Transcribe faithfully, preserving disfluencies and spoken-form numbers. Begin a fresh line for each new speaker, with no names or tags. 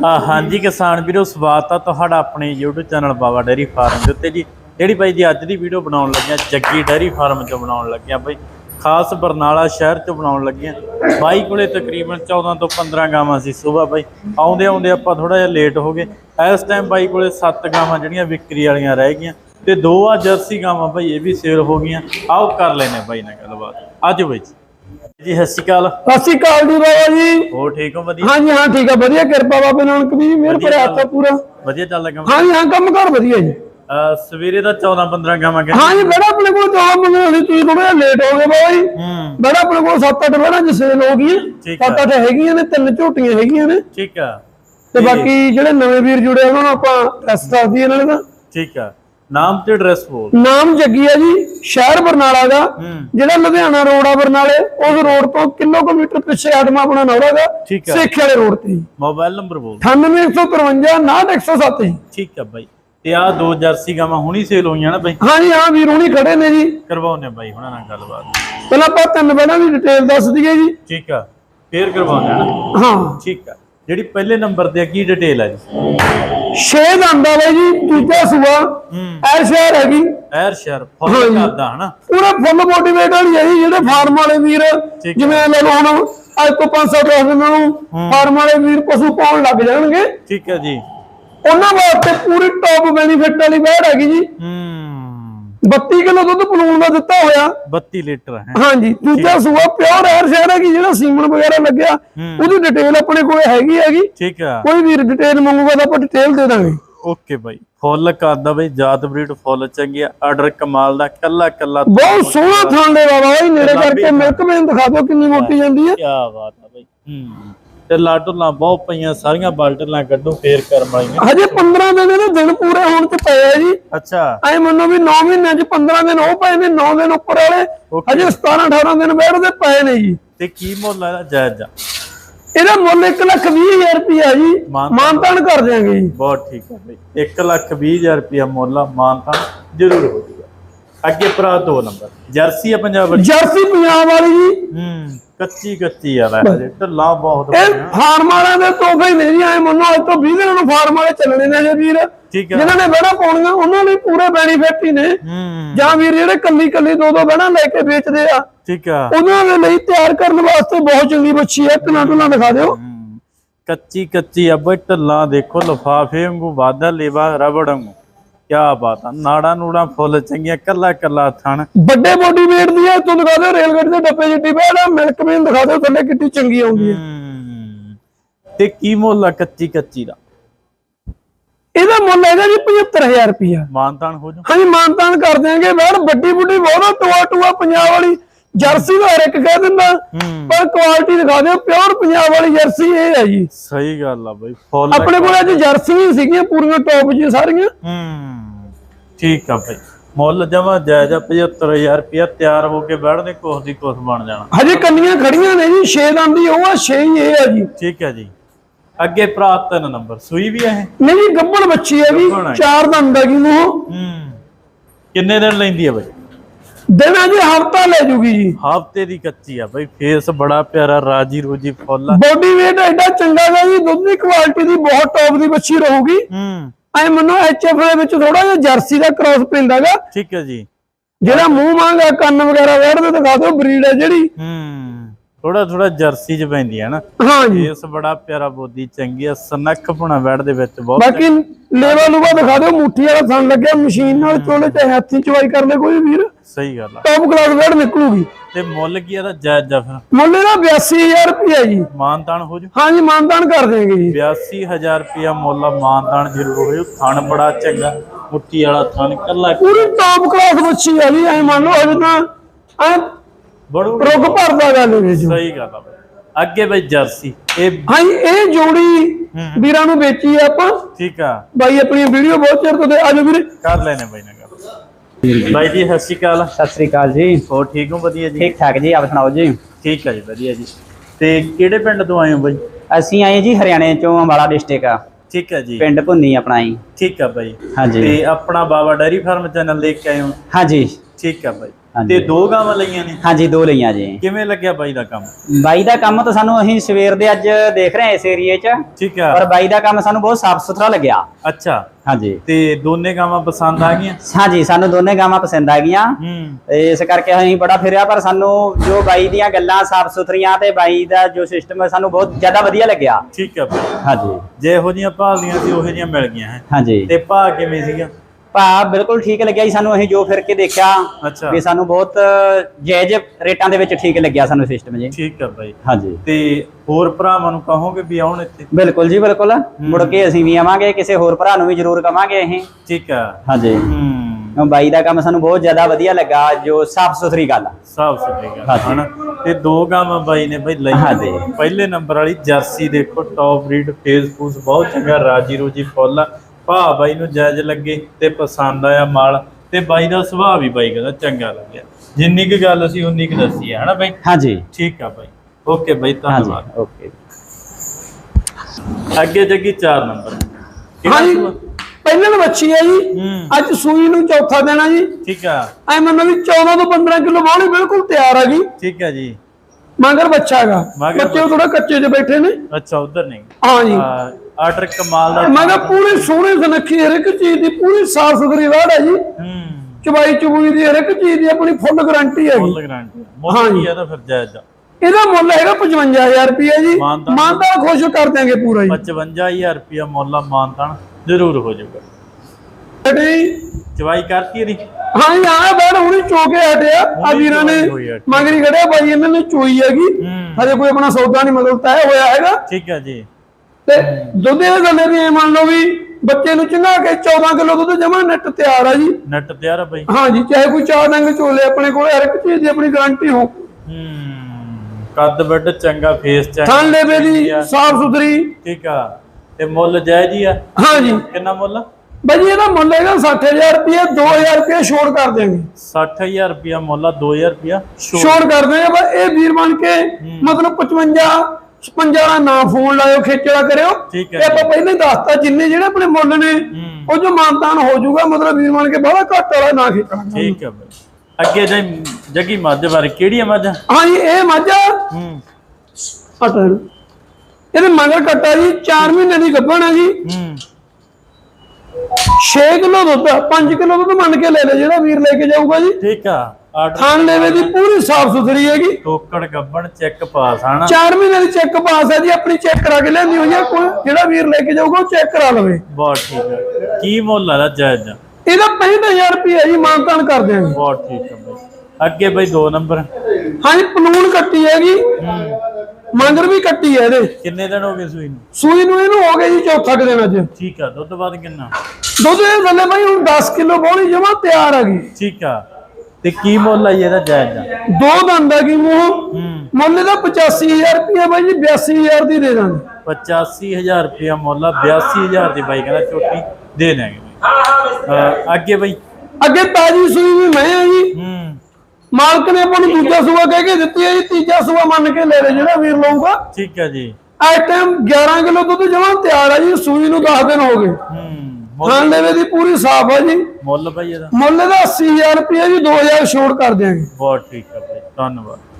हाँ जी किसान वीरो स्वागत है तुहाडा अपने यूट्यूब चैनल बाबा डेयरी फार्म के उत्ते जी जिहड़ी भाई जी अज दी वीडियो बनाउण लगे जग्गी डेयरी फार्म चो बनाउण लगे भाई खास बरनाला शहर चो बनाउण लगे बाई कोले तकरीबन चौदह तो पंद्रह गावां सी सुबह भाई आउंदे आउंदे आपां थोड़ा जिहा लेट हो गए। इस टाइम बाई कोले सत्त गावां जिहड़ियां विक्री वालियां रह गईयां ते दो आ जर्सी गावां भाई ये भी सेल हो गईयां। आओ कर लेने भाई नाल गलबात आज भाई जी सत श्री अकाल।
सत श्री अकाल जी बाबा जी
हो ठीक हो वधिया?
हाँ जी हाँ ठीक है वधिया किरपा बाबे नानक दी मेहर भरे हत्थ है पूरा
वधिया चल लगा।
हाँ जी हाँ कम कर वधिया जी
सवेरे दा चौदह पंद्रह गावां के
हाँ जी बड़ा अपने को चौदह पंद्रह सी तुसीं थोड़ा लेट हो गए बाबा जी बड़ा अपने को सत्त अठ बड़ा ज सेल हो गई सत्त अठ हैगियां ने तीन झोटियां हैगियां ने
ठीक है
ते बाकी जेडे नवे वीर जुड़े उन्हां नूं आपां एड्रेस दस दईए नाले दा
ठीक है नाम ते एड्रेस बोल।
नाम जग्गी है जी शहर बरनाला दा जेड़ा लुधियाना रोड आ बरनाले उस रोड तो किलोमीटर पिछे आदमा अपना नौरा दा सेखे वाले रोड ते।
मोबाइल नंबर बोल।
अठानवे एक सौ तिरवंजा उनाहठ एक सौ सत्त जी
ठीक है भाई ते आ दो जर्सी गावां हुणी सेल होईयां ना भाई?
हाँ जी हाँ वीर हुणी खड़े ने जी
करवाउने भाई हुणां नाल गलबात
पहला आपां तीन बैणां दी डिटेल दस दईए जी ठीक
है फिर करवाउने ना हाँ ठीक है ਜਿਹੜੀ ਪਹਿਲੇ ਨੰਬਰ ਤੇ ਕੀ ਡਿਟੇਲ ਹੈ ਜੀ?
ਛੇ ਦੰਦ ਆ ਬਾਈ ਜੀ ਦੂਜਾ ਸੂਆ ਐਰ ਸ਼ਹਿਰ ਹੈਗੀ ਐਰ
ਸ਼ਹਿਰ ਫੁੱਲ ਕਰਦਾ ਹਨਾ
ਪੂਰਾ ਫੁੱਲ ਮੋਟੀਵੇਟ ਵਾਲੀ ਹੈ ਜੀ ਜਿਹੜੇ ਫਾਰਮ ਵਾਲੇ ਵੀਰ ਜਿਵੇਂ ਲੈ ਲਓ ਹੁਣ ਅੱਜ ਤੋਂ ਪੰਜ ਸੱਤ ਦਿਨਾਂ ਨੂੰ ਫਾਰਮ ਵਾਲੇ ਵੀਰ ਪਸ਼ੂ ਪਾਉਣ ਲੱਗ ਜਾਣਗੇ ਠੀਕ ਹੈ ਜੀ ਉਹਨਾਂ ਵਾਸਤੇ ਪੂਰੀ ਟੌਪ ਬੈਨੀਫਿਟ ਵਾਲੀ ਬੈੜ ਹੈਗੀ ਜੀ बत्ती किलो दुध पलून का दिता होया
बत्ती लीटर है
हाँ जी दूजा सूआ प्योर एयर शहर है जेड़ा सीमन वगैरह लग्या ओदी डिटेल अपने कोल हैगी हैगी ठीक है कोई भी डिटेल मंगूगा तो आपण डिटेल दे दांगे।
ओके भाई फुल करदा भाई जात ब्रीड फुल चंगी आर्डर कमाल दा कल्ला कल्ला
बहुत सोहना थान दे बाबा भाई नेड़े करके मिल्क मेन दिखा दो कितनी मोटी जांदी है
क्या बात है भाई हम्म ते लाटुला बहुत पईयां सारियां बाल्टलां कड्डो फेर कर वालीआं हजे
पंद्रह दिन दे दिन पूरे होण ते पए है जी। अच्छा ऐ मन्नो भी नौ महीने च पंद्रह दिन हो पए ने नौ दिन ऊपर वाले हजे सत्रह अठारह दिन बैठदे पए ने जी।
ते की मुੱਲ है जायज जा?
ਇਹਦਾ ਮੁੱਲ एक लाख बीस हज़ार रुपया जी मानतान कर देंगे जी।
बहुत ठीक है भाई एक लाख बीस हज़ार रुपया मुੱਲ मानतान जरूर हो जाएगा। अगे भरा दो नंबर जर्सी है पंजाब वाली
जर्सी पंजाब वाली जी
हम्म कच्ची कच्ची आ वैसे ढला बहुत
ए फार्म वाले दे तोहफे नहीं जी आए मनो आज तो बीस दिन नु फार्म वाले चलने ने जे वीर ठीक है जिन्हां ने बड़ा पाउणियां उन्हां ਲਈ पूरे बेनिफिट ही ने ਜਾਂ ਵੀਰ ਜਿਹੜੇ ਕੱਲੀ ਕੱਲੀ ਦੋ ਦੋ ਬਣਾ ਲੈ ਕੇ ਵੇਚਦੇ ਆ ਠੀਕ ਆ ਉਹਨਾਂ ਦੇ ਲਈ ਤਿਆਰ ਕਰਨ ਵਾਸਤੇ ਬਹੁਤ ਚੰਗੀ ਬੱਚੀ ਹੈ ਕਿੰਨਾ ਟੁਲਾ ਦਿਖਾ ਦਿਓ
ਕੱਚੀ ਕੱਚੀ ਆ ਬਈ ਢੱਲਾ ਦੇਖੋ ਲਫਾਫੇ ਵਾਂਗੂ ਵਾਦਾ ਲੇਵਾ ਰਬੜ ਵਾਂਗੂ क्या बात है नाड़ा नूड़ा फुल चंगिया कला कला थन
बड़े बॉडी वेट दी है तू दिखा दे रेलगाड़ी दे डब्बे जिड्डी बैठ मिल्क मेन दिखा दे थल्ले कितनी चंगी आउंदी है
ते की मुੱਲ कच्ची कच्ची दा?
ਇਹਦਾ ਮੁੱਲ ਹੈਗਾ ਜੀ पचहत्तर हज़ार रुपया
मानतान हो जा।
हाँ जी मानतान कर देंगे बैठ बड्डी बुड्डी बहुत टुआ टुआ पंजाब वाली जर्सी का हर एक कह दिंदा पर क्वालिटी दिखा दे प्योर पंजाब वाली जर्सी ये है जी।
सही गल आ भाई फुल
अपने कोल अज जर्सी भी सीगियां पूरीਆਂ टॉप जी सारियां
ठीक है भाई मुੱਲ जमा जायजा पचहत्तर हज़ार रुपया तैयार होके बैठने कोस दी कोस बन जाना।
हजे कन्नियां खड़ियां ने जी छे दंद ही वो छे ही ये है जी ठीक है जी।
अगे भरा तीन नंबर सूई भी है
नहीं जी गब्बड़ बच्ची है भी चार दंद है जी मूंह
किन्ने दिन लैंदी है भाई?
दिन जी हफ्ता ले जूगी जी
हफ्ते दी कच्ची है भाई फेस बड़ा प्यारा राजी रोजी फुल
बॉडी वेट एडा चंगा है जी दुध दी क्वालिटी दी बहुत टॉप दी बच्ची रहूगी ऐ मनो एचएफ दे विच थोड़ा जिहा जर्सी दा क्रॉस पैंदागा ठीक है जी जेड़ा मुंह मांगा कन्न वगैरह वेड़दे दिखा दो ब्रीड है जेड़ी थोड़ा थोड़ा जर्सी च पैंदी है ना। हाँ जी फेस बड़ा प्यारा बोदी चंगी है सनख पुणा वेड़ दे विच बहुत बाकी लेवा लुवा दिखा दो मुट्ठी वाला थन लगे मशीन नाल चोले चाहे हाथी चवाई कर ले कोई वीर सही गल है टॉप क्लास वेड़ निकलूगी। ते मुੱਲ की ਇਹਦਾ ਜਾਇਜ਼ ਜਾ ਫਿਰ? ਮੁੱਲ ਇਹਦਾ बयासी हज़ार रुपया जी मानतान हो जू। हाँ जी मानतान कर देंगे जी बयासी हज़ार रुपया मुੱਲ मानतान जरूर हो थन बड़ा चंगा मुट्ठी वाला थन कल्ला पूरी टॉप क्लास बच्ची है जी। ऐ मान लो अज ना ऐ बड़ू रुक भरदा गल विच सही गल है। अगे भाई जर्सी ए हाँ ए जोड़ी वीरां नूं बेची है आपां ठीक है भाई अपनी वीडियो बहुत चेर तो दे आज वीर कर लेने भाई ना गल भाई जी सत श्री अकाल।
सत श्री अकाल जी
हो ठीक हो वधिया जी?
ठीक ठाक जी आप सुनाओ जी?
ठीक है जी वधिया जी। ते किहड़े पिंड तो आए हो भाई?
ਅਸੀਂ ਆਏ जी हरियाणे चों अंबाला डिस्ट्रिक्ट आ
ठीक है जी
पिंड भुन्नी अपना ही
ठीक है भाई।
हाँ जी
ते अपना बाबा डेयरी फार्म चैनल लेके आए हो?
हाँ जी
ठीक है भाई ਤੇ ਦੋ ਗਾਵਾਂ ਲਈਆਂ ਨੇ?
ਹਾਂਜੀ ਦੋ ਲਈਆਂ ਜੀ।
ਕਿਵੇਂ ਲੱਗਿਆ ਬਾਈ ਦਾ ਕੰਮ?
ਬਾਈ ਦਾ ਕੰਮ ਤਾਂ ਸਾਨੂੰ ਅਸੀਂ ਸਵੇਰ ਦੇ ਅੱਜ ਦੇਖ ਰਹੇ ਹਾਂ ਇਸ ਏਰੀਏ 'ਚ।
ਠੀਕ ਆ।
ਪਰ ਬਾਈ ਦਾ ਕੰਮ ਸਾਨੂੰ ਬਹੁਤ ਸਾਫ਼ ਸੁਥਰਾ ਲੱਗਿਆ।
ਅੱਛਾ
ਹਾਂਜੀ।
ਤੇ ਦੋਨੇ ਗਾਵਾਂ ਪਸੰਦ ਆ ਗਈਆਂ?
ਹਾਂਜੀ ਸਾਨੂੰ ਦੋਨੇ ਗਾਵਾਂ ਪਸੰਦ ਆ ਗਈਆਂ।
ਹੂੰ।
ਇਸ ਕਰਕੇ ਅਸੀਂ ਬੜਾ ਫਿਰਿਆ, ਪਰ ਸਾਨੂੰ ਜੋ ਬਾਈ ਦੀਆਂ ਗੱਲਾਂ ਸਾਫ਼ ਸੁਥਰੀਆਂ ਤੇ ਬਾਈ ਦਾ ਜੋ ਸਿਸਟਮ ਹੈ ਸਾਨੂੰ ਬਹੁਤ ਜ਼ਿਆਦਾ ਵਧੀਆ ਲੱਗਿਆ।
ਠੀਕ ਆ ਬਾਈ।
ਹਾਂਜੀ।
ਜੇ ਇਹੋ ਜਿਹੀਆਂ ਭਾਲਦੀਆਂ ਸੀ ਉਹੋ ਜਿਹੀਆਂ ਮਿਲ ਗਈਆਂ ਹੈ।
ਹਾਂਜੀ।
ਤੇ ਭਾਅ ਕਿਵੇਂ ਸੀਗਾ?
ਭਾਅ ਬਿਲਕੁਲ ਠੀਕ ਲੱਗਿਆ ਜੀ ਸਾਨੂੰ। ਅਸੀਂ ਜੋ ਫਿਰ ਕੇ ਦੇਖਿਆ
ਅੱਛਾ
ਵੀ ਸਾਨੂੰ ਬਹੁਤ ਜਾਇਜ਼ ਰੇਟਾਂ ਦੇ ਵਿੱਚ ਠੀਕ ਲੱਗਿਆ ਸਾਨੂੰ ਸਿਸਟਮ ਜੀ।
ਠੀਕ ਆ ਬਾਈ।
ਹਾਂਜੀ।
ਤੇ ਹੋਰ ਭਰਾਵਾਂ ਨੂੰ ਕਹੋਗੇ ਵੀ ਆਉਣ ਇੱਥੇ?
ਬਿਲਕੁਲ ਜੀ ਬਿਲਕੁਲ, ਮੁੜ ਕੇ ਅਸੀਂ ਵੀ ਆਵਾਂਗੇ, ਕਿਸੇ ਹੋਰ ਭਰਾ ਨੂੰ ਵੀ ਜ਼ਰੂਰ ਕਵਾਂਗੇ ਅਸੀਂ।
ਠੀਕ ਆ।
ਹਾਂਜੀ।
ਹੂੰ।
ਬਾਈ ਦਾ ਕੰਮ ਸਾਨੂੰ ਬਹੁਤ ਜ਼ਿਆਦਾ ਵਧੀਆ ਲੱਗਾ, ਜੋ ਸਾਫ਼ ਸੁਥਰੀ ਗੱਲ ਆ।
ਸਾਫ਼ ਸੁਥਰੀ ਗੱਲ ਹਨਾ। ਤੇ ਦੋ ਗਾਵਾਂ ਬਾਈ ਨੇ ਬਾਈ ਲਈ।
ਹਾਂਜੀ।
ਪਹਿਲੇ ਨੰਬਰ ਵਾਲੀ ਜਰਸੀ ਦੇਖੋ, ਟੌਪ ਬਰੀਡ, ਫੇਸ ਫੂਸ ਬਹੁਤ ਚੰਗਾ, ਰਾਜੀ ਰੋਜੀ ਫੁੱਲ ਆ। ਭਾਅ ਬਾਈ ਨੂੰ ਜਾਇਜ਼ ਲੱਗੇ ਤੇ ਪਸੰਦ ਆਇਆ ਮਾਲ, ਤੇ ਬਾਈ ਦਾ ਸੁਭਾਅ ਵੀ ਬਾਈ ਕਹਿੰਦਾ ਚੰਗਾ ਲੱਗਿਆ। ਜਿੰਨੀ ਕੁ ਗੱਲ ਸੀ ਉਨੀ ਕੁ ਦੱਸੀ ਹੈ ਹਨਾ ਬਾਈ?
ਹਾਂਜੀ।
ਠੀਕ ਆ ਬਾਈ। ਓਕੇ ਬਾਈ, ਧੰਨਵਾਦ।
ਓਕੇ।
ਅੱਗੇ ਜੱਗੀ ਚਾਰ ਨੰਬਰ।
ਹਾਂਜੀ ਪਹਿਲਾਂ ਤਾਂ ਬੱਚੀ ਹੈ ਜੀ, ਅੱਜ ਸੂਈ ਨੂੰ ਚੌਥਾ ਦੇਣਾ ਜੀ।
ਠੀਕ ਆ।
ਐ ਮੰਨੋ ਵੀ ਚੌਦਾਂ ਤੋਂ ਪੰਦਰਾਂ ਕਿਲੋ ਬਾਹਲੀ ਬਿਲਕੁਲ ਤਿਆਰ ਆ ਗਈ।
ਠੀਕ ਆ ਜੀ।
ਮਗਰ ਬੱਚਾ ਹੈਗਾ, ਬੱਚੇ ਥੋੜਾ ਕੱਚੇ 'ਚ ਬੈਠੇ ਨੇ।
ਅੱਛਾ ਉਧਰ ਨਹੀਂ?
ਹਾਂ ਜੀ।
ਆਰਡਰ ਕਮਾਲ ਦਾ।
ਮਗਰ ਪੂਰੀ ਸੋਹਣੀ ਸੁਨੱਖੀ, ਹਰ ਇੱਕ ਚੀਜ਼ ਦੀ ਪੂਰੀ ਸਾਫ਼ ਸੁਥਰੀ ਵਾੜ ਹੈ ਜੀ।
ਹੂੰ।
ਚਬਾਈ ਚਬੂਈ ਦੀ ਹਰ ਇੱਕ ਚੀਜ਼ ਦੀ ਆਪਣੀ ਫੁੱਲ ਗਾਰੰਟੀ ਹੈਗੀ।
Full guarantee. ਮੁੱਲ ਕੀ ਆ ਤਾਂ ਫਿਰ ਜਾਇਜ਼ ਆ?
ਇਹਦਾ ਮੁੱਲ ਹੈਗਾ ਪਚਵੰਜਾ ਹਜ਼ਾਰ ਰੁਪਇਆ ਜੀ। ਮਾਨਤਾਨ ਖੁਸ਼ ਕਰ ਦਿਆਂਗੇ ਪੂਰਾ ਜੀ।
ਪਚਵੰਜਾ ਹਜ਼ਾਰ ਰੁਪਇਆ ਮੁੱਲ ਆ, ਮਾਨਤਾਨ ਜ਼ਰੂਰ ਹੋ ਜਾਊਗਾ। ਚਵਾਈ ਕਰਤੀ ਇਹਦੀ?
ਹਾਂ ਜੀ ਹਾਂ, ਬੈਠ ਹੁਣੀ ਚੋਕੇ ਹਟਿਆ ਆ ਵੀਰਾਂ ਨੇ, ਮਗਰੀ ਖੜਿਆ ਬਾਈ ਇਹਨਾਂ ਨੇ ਚੋਈ ਹੈਗੀ। ਹਜੇ ਕੋਈ ਆਪਣਾ ਸੌਦਾ ਨਹੀਂ ਮਤਲਬ ਤੈਅ ਹੋਇਆ ਹੈਗਾ।
ਠੀਕ ਹੈ ਜੀ।
ਤੇ ਦੁੱਧ ਦੇ ਗੱਲੇ ਵੀ ਮੰਨ ਲਓ ਵੀ ਬੱਚੇ ਨੂੰ ਚੰਗਾ ਕੇ ਚੌਦਾਂ ਕਿਲੋ ਦੁੱਧ ਜਮਾ ਨੈਟ ਤਿਆਰ ਆ ਜੀ।
ਨੈਟ ਤਿਆਰ ਆ ਬਾਈ? ਹਾਂ
ਜੀ। ਚਾਹੇ ਕੋਈ ਚਾਰ ਡੰਗ ਝੋਲੇ, ਆਪਣੇ ਕੋਲ ਹਰ ਇੱਕ ਚੀਜ਼ ਦੀ ਆਪਣੀ ਗਾਰੰਟੀ ਹੋ।
ਹੂੰ। ਕੱਦ ਵੱਡ ਚੰਗਾ, ਫੇਸ ਚੰਗਾ,
ਥਣ ਲੇਵੇ ਦੀ ਸਾਫ਼ ਸੁਥਰੀ।
ਠੀਕ ਆ। ਤੇ ਮੁੱਲ ਜਾਇਜ਼ ਹੀ ਆ?
ਹਾਂ ਜੀ।
ਕਿੰਨਾ ਮੁੱਲ
ਬਾਈ ਇਹਦਾ ਮੁੱਲ ਹੈਗਾ ਸੱਠ ਹਜ਼ਾਰ ਰੁਪਇਆ, ਦੋ ਹਜ਼ਾਰ ਰੁਪਇਆ ਛੋੜ ਕਰ ਦਿਆਂਗੇ।
ਸੱਠ ਹਜ਼ਾਰ ਰੁਪਇਆ ਮੁੱਲ ਆ, ਦੋ ਹਜ਼ਾਰ ਰੁਪਇਆ
ਛੋੜ ਕਰ ਦਿਆਂਗੇ। ਬਸ ਇਹ ਵੀਰ ਬਣ ਕੇ ਮਤਲਬ ਪਚਵੰਜਾ ਛਪੰਜਾ ਦਾ ਨਾ ਫੋਨ ਲਾਇਓ, ਖੇਚਲਾ ਕਰਿਓ।
ਠੀਕ ਹੈ।
ਆਪਾਂ ਪਹਿਲਾਂ ਹੀ ਦੱਸਤਾ ਜਿੰਨੇ ਜਿਹੜੇ ਆਪਣੇ ਮੁੱਲ ਨੇ ਉਹ ਜੋ ਮਾਨਤਾਨ ਹੋ ਜਾਊਗਾ, ਮਤਲਬ ਵੀਰ ਬਣ ਕੇ ਬਾਹਲਾ ਘੱਟ ਵਾਲਾ ਨਾ ਖੇਚਲਾ।
ਠੀਕ ਹੈ ਬਾਈ। ਅੱਗੇ ਜੀ ਜੱਗੀ ਮੱਝ ਬਾਰੇ, ਕਿਹੜੀ ਆ ਮੱਝ?
ਹਾਂ ਜੀ ਇਹ ਮੱਝ
ਹੂੰ।
ਪਟਲ ਇਹਦੇ ਮਗਰ ਕੱਟਾ ਜੀ, ਚਾਰ ਮਹੀਨੇ ਦੀ ਗੱਭਣ ਹੈ ਜੀ।
ਹੂੰ।
ਛੇ ਕਿਲੋ ਦੁੱਧ, ਪੰਜ ਕਿਲੋ ਦੁੱਧ ਮੰਨ ਕੇ ਲੈ ਲੈ ਜਿਹੜਾ ਵੀਰ ਲੈ ਕੇ ਜਾਊਗਾ ਜੀ।
ਠੀਕ ਆ।
ਥਣ ਲੇਵੇ ਦੀ ਪੂਰੀ ਸਾਫ਼ ਸੁਥਰੀ ਹੈਗੀ।
ਟੋਕੜ ਗੱਬਣ ਚੈੱਕ ਪਾਸ ਹਨਾ?
ਚਾਰ ਮਹੀਨੇ ਦੀ ਚੈੱਕ ਪਾਸ ਹੈ ਜੀ, ਆਪਣੀ ਚੈੱਕ ਕਰਾ ਕੇ ਲਿਆਂਦੀ ਹੋਈ ਹੈ। ਕੋਈ ਜਿਹੜਾ ਵੀਰ ਲੈ ਕੇ ਜਾਊਗਾ ਉਹ ਚੈੱਕ ਕਰਾ ਲਵੇ।
ਬਹੁਤ ਠੀਕ ਹੈ। ਕੀ ਮੁੱਲ ਆ ਜਾਇਜ਼?
ਇਹਦਾ ਪੈਂਹਠ ਹਜ਼ਾਰ ਰੁਪਇਆ ਜੀ, ਮਾਨਤਾਨ ਕਰ ਦਿਆਂਗੇ।
ਬਹੁਤ ਠੀਕ ਹੈ ਬਾਈ। ਅੱਗੇ ਬਾਈ ਦੋ ਨੰਬਰ।
ਹਾਂ ਜੀ ਪਲੂਣ ਕੱਟੀ ਹੈਗੀ, ਮੰਗਰ ਵੀ ਕੱਟੀ ਹੈ ਇਹਦੇ।
ਕਿੰਨੇ ਦਿਨ ਹੋ ਗਏ ਸੂਈ ਨੂੰ?
ਸੂਈ ਨੂੰ ਇਹਨੂੰ ਹੋ ਗਏ ਜੀ ਚੌਥਾ ਕੁ ਦਿਨ ਅੱਜ।
ਠੀਕ ਆ। ਦੁੱਧ ਬਾਅਦ ਕਿੰਨਾ?
ਦੁੱਧ ਇਹ ਥੱਲੇ ਬਾਈ ਹੁਣ ਦਸ ਕਿਲੋ ਬੋਲੀ ਜਮਾ ਤਿਆਰ ਹੈਗੀ।
ਠੀਕ ਆ। ਤੇ ਕੀ ਮੁੱਲ ਆ ਇਹਦਾ ਜਾਇਜ਼ ਦਾ?
ਦੋ ਦੰਦ ਹੈਗੀ ਮੂੰਹ। ਮੁੱਲ ਇਹਦਾ ਪਚਾਸੀ ਹਜ਼ਾਰ ਰੁਪਇਆ ਬਾਈ ਜੀ, ਬਿਆਸੀ ਹਜ਼ਾਰ ਦੀ ਦੇ ਦਾਂਗੇ।
ਪਚਾਸੀ ਹਜ਼ਾਰ ਰੁਪਇਆ ਮੁੱਲ ਆ, ਬਿਆਸੀ ਹਜ਼ਾਰ ਦੀ ਬਾਈ ਕਹਿੰਦਾ ਝੋਟੀ ਦੇ ਦੇਂਗੇ। ਅੱਗੇ ਬਾਈ? ਅੱਗੇ
ਤਾਜੀ ਸੂਈ ਵੀ ਮੈਂ ਹੈ ਜੀ।
ਹੂੰ।
ਮਾਲਕ ਨੇ ਆਪਾਂ ਨੂੰ ਦੂਜਾ ਸੂਆ ਕਹਿ ਕੇ ਦਿੱਤੀ ਹੈ ਜੀ, ਤੀਜਾ ਸੂਆ ਮੰਨ ਕੇ ਲੈ ਲੈ ਜਿਹੜਾ ਵੀਰ ਲਊਗਾ।
ਠੀਕ ਹੈ ਜੀ।
ਇਸ ਟਾਈਮ ਗਿਆਰਾਂ ਕਿਲੋ ਦੁੱਧ ਜਮਾ ਤਿਆਰ ਹੈ ਜੀ, ਸੂਈ ਨੂੰ ਦਸ ਦਿਨ ਹੋ ਗਏ।
ਹੂੰ।
ਥਣ ਲੇਵੇ ਦੀ ਪੂਰੀ ਸਾਫ਼ ਹੈ ਜੀ।
ਮੁੱਲ ਬਾਈ ਇਹਦਾ?
ਮੁੱਲ ਇਹਦਾ ਅੱਸੀ ਹਜ਼ਾਰ ਰੁਪਇਆ ਜੀ, ਦੋ ਹਜ਼ਾਰ ਛੋੜ ਕਰ ਦਿਆਂਗੇ।
ਬਹੁਤ ਠੀਕ ਹੈ ਬਾਈ, ਧੰਨਵਾਦ।